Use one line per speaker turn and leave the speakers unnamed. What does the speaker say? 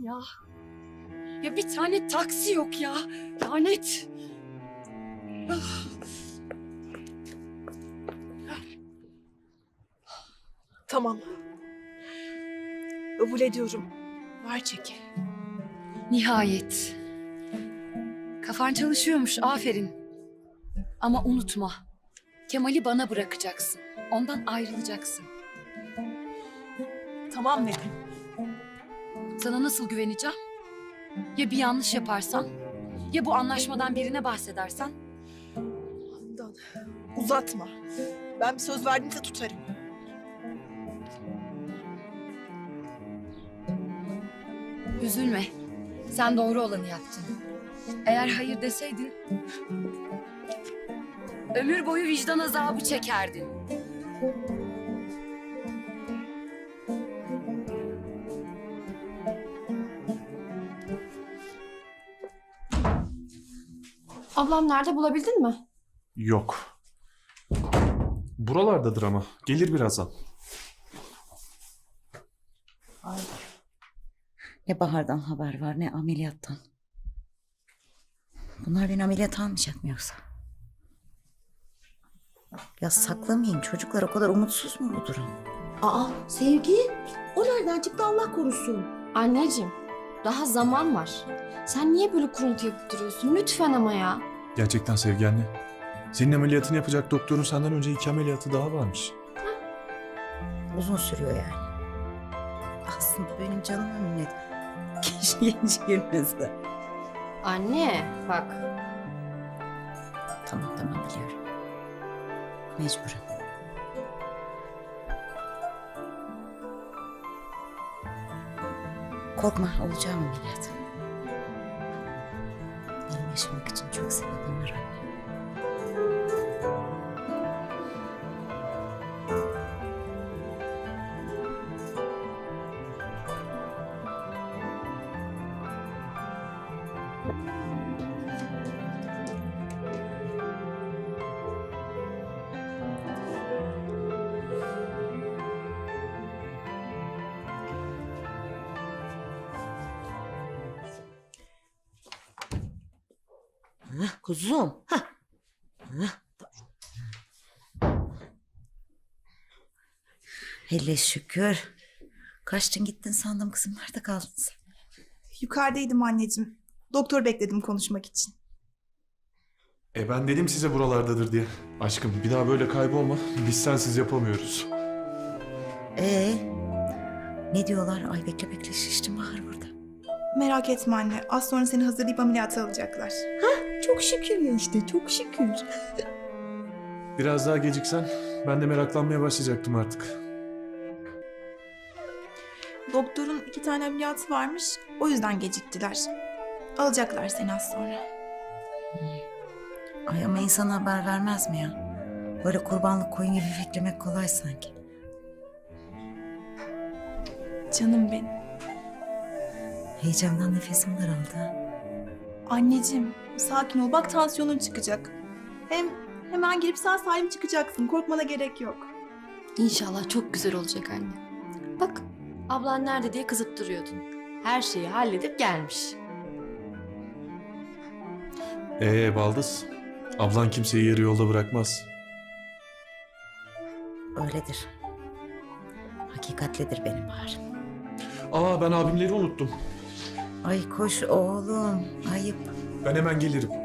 ya. Ya bir tane taksi yok ya. Lanet.
Tamam. Kabul ediyorum. Ver çeki.
Nihayet. Kafan çalışıyormuş, aferin. Ama unutma, Kemal'i bana bırakacaksın. Ondan ayrılacaksın.
Tamam Nedim.
Sana nasıl güveneceğim? Ya bir yanlış yaparsan? Ya bu anlaşmadan birine bahsedersen?
Handan, uzatma. Ben bir söz verdiğimde tutarım.
Üzülme. Sen doğru olanı yaptın. Eğer hayır deseydin, ömür boyu vicdan azabı çekerdin.
Ablam nerede, bulabildin mi?
Yok. Buralardadır ama. Gelir birazdan.
Ne Bahar'dan haber var ne ameliyattan. Bunlar beni ameliyat almayacak mı yoksa? Ya saklamayın, çocuklar o kadar umutsuz mu bu durum?
Aa Sevgi, o nereden çıktı Allah korusun.
Anneciğim, daha zaman var. Sen niye böyle kuruntu yapıp duruyorsun? Lütfen ama ya.
Gerçekten Sevgi anne. Senin ameliyatını yapacak doktorun senden önce 2 ameliyatı daha varmış.
Uzun sürüyor yani. Aslında benim canıma minnet. Keşke genç girmezdi.
Anne, bak.
Tamam biliyorum. Mecburen. Korkma, olacağım ameliyat. Benim yaşamak için çok sebebim var anne. Kuzum. Hele şükür. Kaçtın gittin sandım kızım. Nerede kaldın sen?
Yukarıdaydım anneciğim. Doktor bekledim konuşmak için.
Ben dedim size buralardadır diye. Aşkım bir daha böyle kaybolma. Biz sensiz yapamıyoruz.
Ne diyorlar? Ay bekle şiştim Bahar burada.
Merak etme anne. Az sonra seni hazırlayıp ameliyata alacaklar.
Çok şükür ya işte, çok şükür.
Biraz daha geciksen ben de meraklanmaya başlayacaktım artık.
Doktorun 2 tane ameliyatı varmış. O yüzden geciktiler. Alacaklar seni az sonra.
Ay ama insan haber vermez mi ya? Böyle kurbanlık koyun gibi beklemek kolay sanki.
Canım benim.
Heyecandan nefesim daraldı.
Anneciğim sakin ol. Bak tansiyonun çıkacak. Hem hemen girip sağ salim çıkacaksın. Korkmana gerek yok.
İnşallah çok güzel olacak anne. Bak, ablan nerede diye kızıp duruyordun. Her şeyi halledip gelmiş.
Baldız. Ablan kimseyi yarı yolda bırakmaz.
Öyledir. Hakikatlidir benim Bahar.
Ben abimleri unuttum.
Ay koş oğlum. Ayıp.
Ben hemen gelirim.